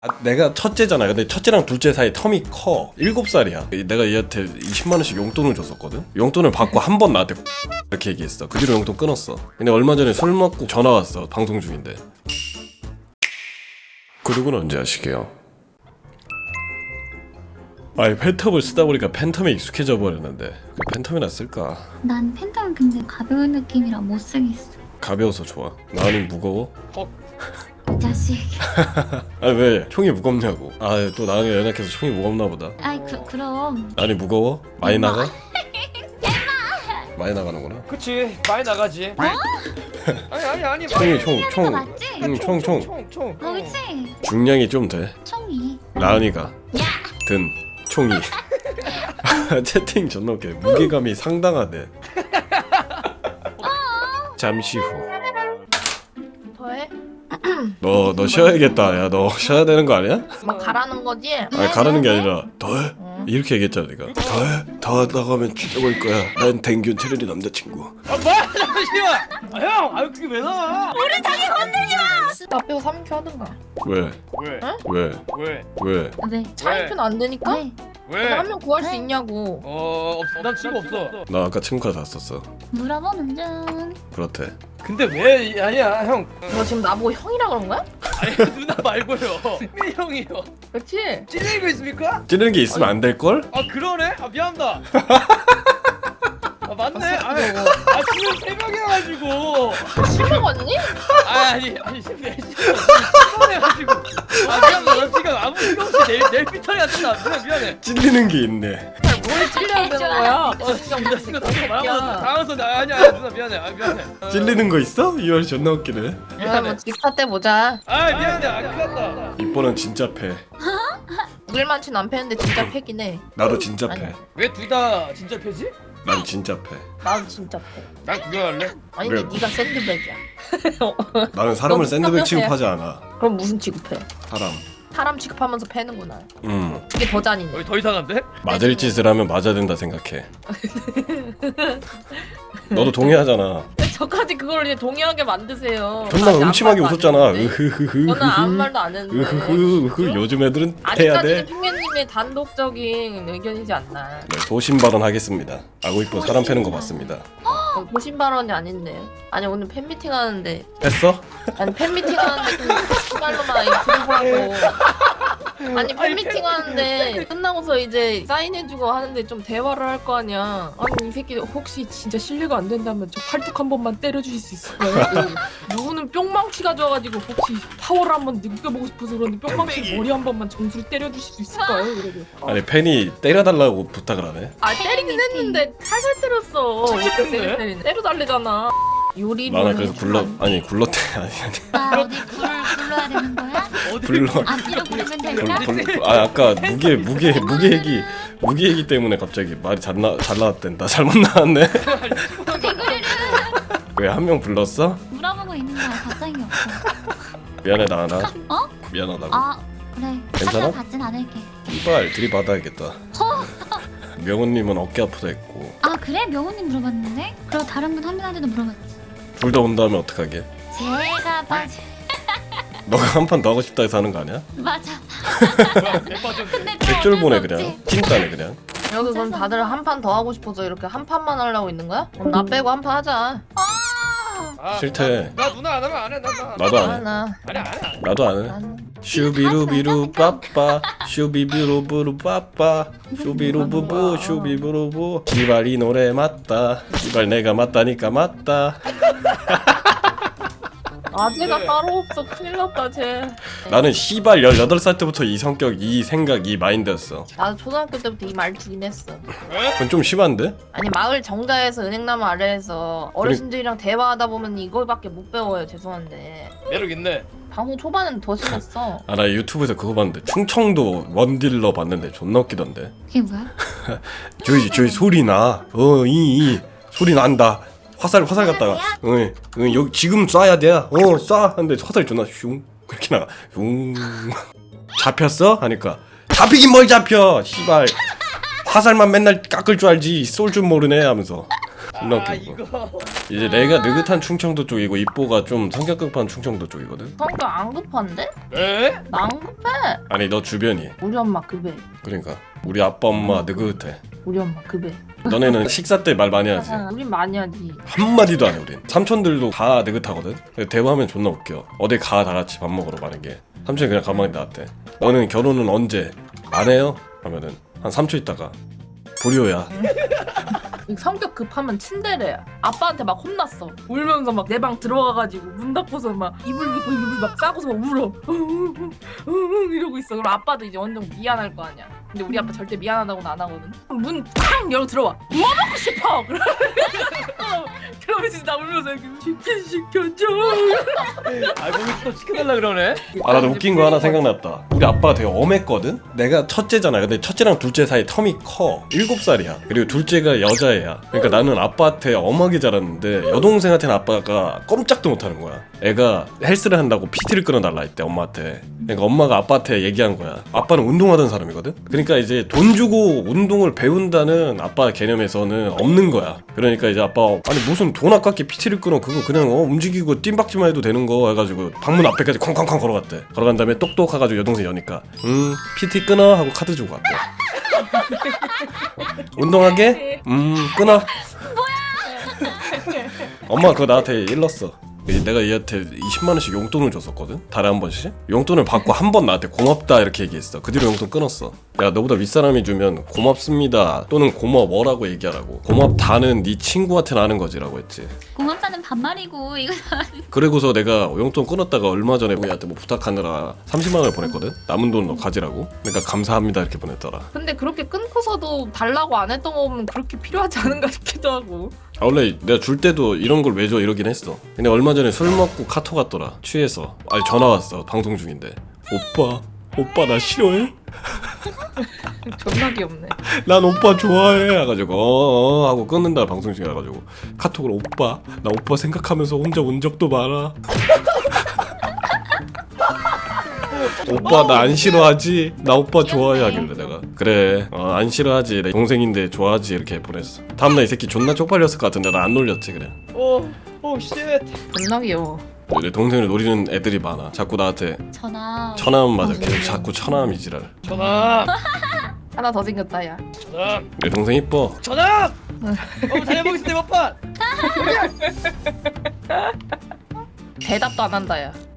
내가 첫째잖아. 근데 첫째랑 둘째 사이 텀이 커. 7살이야. 내가 얘한테 20만원씩 용돈을 줬었거든. 용돈을 받고 한 번 나한테 이렇게 얘기했어. 그 뒤로 용돈 끊었어. 근데 얼마 전에 술 먹고 전화 왔어. 방송 중인데. 구독은 언제 하시게요? 아니 팬텀을 쓰다 보니까 팬텀에 익숙해져 버렸는데 팬텀이나 쓸까? 난 팬텀은 근데 가벼운 느낌이라 못 쓰겠어. 가벼워서 좋아. 나는 무거워? 이 자식. 아니 왜? 총이 무겁냐고. 아 또 나랑 연락해서 총이 무겁나 보다. 아이 그럼. 아니 무거워? 많이 나가? 많이 나가는구나. 그치 많이 나가지. 아니 총이 거 맞지? 총. 어 그치? 중량이 좀 돼. 총이. 나은이가 든 총이. 채팅 존나 웃겨. 무게감이 상당하대. 잠시 후. 더해? 너 쉬어야겠다. 야 너 쉬어야 되는 거 아니야? 막 가라는 거지? 아니 가라는 게 아니라 더해? 이렇게 얘기했잖아 네가. 더 하다가 하면 죽여버릴 거야. 난 댕균 테레리 남자친구. 아 뭐야 잠시만. 형 아유 그게 왜 나와? 나 빼고 3인큐 하든가. 왜? 왜? 왜? 왜? 왜? 4인큐는 안 되니까? 왜? 왜? 한 명 구할 수 있냐고. 없어. 난 친구 없어. 나 아까 친구가 다 썼어. 물어보는 중. 그렇대. 근데 왜 아니야 형. 너 지금 나보고 형이라 그런 거야? 아니 누나 말고요. 승민 형이요. 그렇지? 찔리는 거 있습니까? 찌르는 게 있으면 안 될 걸? 아 그러네. 아 미안합니다. 아 맞네. 아 지금 새벽이어가지고. 실명 왔니? 아니 피곤해가지고. 아 미안합니다. 나 지금 아무 생각 없이 내일 피터리 갔잖아. 누나 미안해. 찔리는 게 있네. 뭘 찔려야 되는 거야? 진짜 우리가 친구 다시 말하면서 아니야 누나 미안해. 아 미안해. 찔리는 거 있어? 이월 존나 웃기네. 야, 뭐 집사 때 보자. 아 미안해. 아 큰일 났다. 이뻐는 진짜 패. 우길만치는 안 패는데 진짜 패긴 해. 나도 진짜 패. 아니. 왜 둘 다 진짜 패지? 난 진짜 패. 나도 진짜 패. 난 구경할래? 아니 그래. 근데 네가 샌드백이야. 나는 사람을 너 샌드백 누가 취급하지 않아. 그럼 무슨 취급해? 사람. 사람 취급하면서 패는구나. 음. 그게 더 잔인해. 여기 더 이상한데? 맞을 짓을 하면 맞아야 된다 생각해. 너도 동의하잖아. 저까지 그걸 이제 동의하게 만드세요. 존나 아직 음침하게 아무 말도 웃었잖아. 안 했는데. 저는 아무 말도 안 했는데. 으흐흐 요즘 애들은 해야 아직까지는 돼. 핑계님의 단독적인 의견이지 않나. 네, 소신 발언하겠습니다. 아고 이뻐 사람 패는 거 맞습니다. 보신 발언이 아닌데. 아니 오늘 팬미팅 하는데. 했어? 아니 팬미팅 하는데 좀 말로만 들어보라고. 아니 팬미팅 하는데 끝나고서 이제 사인해주고 하는데 좀 대화를 할 거 아니야. 아니 이 새끼 혹시 진짜 실례가 안 된다면 저 팔뚝 한 번만 때려주실 수 있을까요? 누구는 뿅망치 가져와가지고 혹시 파워를 한번 느껴보고 싶어서 그러는데 뿅망치 머리 한 번만 정수로 때려주실 수 있을까요? 이러고. 아니 팬이 때려달라고 부탁을 하네. 아 때리긴 했는데 살살 때렸어. 찔찔했네. 때려달래잖아. 요리를 나는 그래서 해주면 굴렀대 아니 나 어디 불러야 되는 거야? 불러. 앞뒤로 부르면 될까? 아까 무게 얘기 때문에 갑자기 말이 잘 나왔댄다. 잘못 나왔네. 왜 한 명 불렀어? 물어보고 있는 거야. 답장이 없어. 미안해 나나. 어? 미안하다고. 아 그래. 괜찮아? 하지만 받진 않을게. 이발 들이받아야겠다. 명훈님은 어깨 아프다 했고 아 그래? 명호님 물어봤는데? 그리고 다른 분 한 분한테도 물어봤지. 둘 다 온다면 어떡하게? 제가 맞아. 너가 한 판 더 하고 싶다 해서 하는 거 아니야? 맞아. 대빠져. 근데 또 객줄 보내 어쩔 수 그냥. 없지. 찐따네 그냥. 여기 그럼 다들 한 판 더 하고 싶어서 이렇게 한 판만 하려고 있는 거야? 그럼 나 빼고 한 판 하자. 싫대. 나 누나 안 하면 안 해. 나도 안 해. 나. 아니 안 해. 나도 안 해. 슈비루비루 빠빠 슈비비루부루 빠빠 슈비루부부 슈비부루부 지발 이 노래 맞다. 지발 내가 맞다니까 맞다. 아재가 네. 따로 없어. 큰일 났다 쟤. 나는 시발 18살 때부터 이 성격 이 생각 이 마인드였어. 나도 초등학교 때부터 이 말투긴 했어. 그건 좀 심한데? 아니 마을 정자에서 은행나무 아래에서 어르신들이랑 대화하다 보면 이거밖에 못 배워요. 죄송한데 매력 있네. 방송 초반에는 더 심했어. 아 나 유튜브에서 그거 봤는데 충청도 원딜러 봤는데 존나 웃기던데. 그게 뭐야? 저기 소리 나. 이 소리 난다. 화살 갔다가 여기 지금 쏴야 돼. 쏴. 근데 화살이 존나 슝 그렇게 나가. 슝. 잡혔어? 하니까 잡히긴 뭘 잡혀. 씨발. 화살만 맨날 깎을 줄 알지 쏠 줄 모르네 하면서. 존나 웃겨 그거. 이거. 이제 내가 느긋한 충청도 쪽이고 이뽀가 좀 성격 급한 충청도 쪽이거든. 성격 안 급한데? 에? 나 안 급해. 아니 너 주변이. 우리 엄마 급해. 그러니까 우리 아빠 엄마 느긋해. 우리 엄마 급해. 너네는 식사 때 말 많이 하지. 우린 많이 하지. 한마디도 안 해 우린. 삼촌들도 다 느긋하거든. 대화하면 존나 웃겨. 어디 가 다 같이 밥 먹으러 만약에 삼촌이 그냥 가만히 나왔대. 너는 결혼은 언제? 안 해요? 하면은 한 3초 있다가 불효야. 성격 급하면 친데레야. 아빠한테 막 혼났어. 울면서 막 내 방 들어가가지고 문 닫고서 막 이불 막 싸고서 막 울어. 이러고 있어. 그럼 아빠도 이제 완전 미안할 거 아니야. 근데 우리 아빠 절대 미안하다고는 안 하거든. 문 탁 열어 들어와. 뭐 먹고 싶어? 그러면서 나 울면서 이렇게 치킨 시켜줘. 아 거기서 또 시켜달라 그러네. 아 나도 웃긴 거 하나 생각났다. 우리 아빠가 되게 엄했거든? 내가 첫째잖아. 근데 첫째랑 둘째 사이 텀이 커. 7살이야. 그리고 둘째가 여자애야. 그러니까 나는 아빠한테 엄하게 자랐는데 여동생한테는 아빠가 꼼짝도 못하는 거야. 애가 헬스를 한다고 PT를 끊어달라 했대 엄마한테. 그러니까 엄마가 아빠한테 얘기한 거야. 아빠는 운동하던 사람이거든? 그러니까 이제 돈 주고 운동을 배운다는 아빠 개념에서는 없는 거야. 그러니까 이제 아빠 아니 무슨 돈 아깝게 PT를 끊어. 그거 그냥 움직이고 뜀박지만 해도 되는 거 해가지고 방문 앞에까지 쾅쾅쾅 걸어갔대. 걸어간 다음에 똑똑해가지고 여동생 여니까 PT 끊어 하고 카드 주고 왔대. 운동하게? 끊어. 엄마 그거 나한테 일렀어. 내가 얘한테 20만원씩 용돈을 줬었거든? 달에 한 번씩? 용돈을 받고 한 번 나한테 고맙다 이렇게 얘기했어. 그 뒤로 용돈 끊었어. 야 너보다 윗사람이 주면 고맙습니다 또는 고마워라고 얘기하라고. 고맙다는 네 친구한테는 하는 거지라고 했지. 고맙다는 반말이고 이거 그리고서 내가 용돈 끊었다가 얼마 전에 우리한테 뭐 부탁하느라 30만원을 보냈거든? 남은 돈 너 가지라고. 그러니까 감사합니다 이렇게 보냈더라. 근데 그렇게 끊고서도 달라고 안 했던 거 보면 그렇게 필요하지 않은가 싶기도 하고. 아 원래 내가 줄 때도 이런 걸 왜 줘 이러긴 했어. 근데 얼마 전에 술 먹고 카톡 왔더라. 취해서. 아니 전화 왔어 방송 중인데. 오빠 나 싫어해? 존나 귀엽네. 난 오빠 좋아해 해가지고 어어 하고 끊는다 방송 중에 해가지고 카톡으로 오빠 나 오빠 생각하면서 혼자 운 적도 많아. 오빠 나 안 싫어하지? 나 오빠 좋아해 하길래 내가 그래 안 싫어하지 내 동생인데 좋아하지 이렇게 보냈어. 다음날 이 새끼 존나 쪽팔렸을 것 같은데 나 안 놀렸지 그래. 오 쉣. 존나 귀여워. 내 동생을 노리는 애들이 많아. 자꾸 나한테 전화 천암 맞아. 계속 자꾸 천암 이지랄. 전화. 하나 더 생겼다 야. 전화. 내 동생 이뻐. 전화. 잘해보겠습니다 몇 판. 대답도 안 한다 야.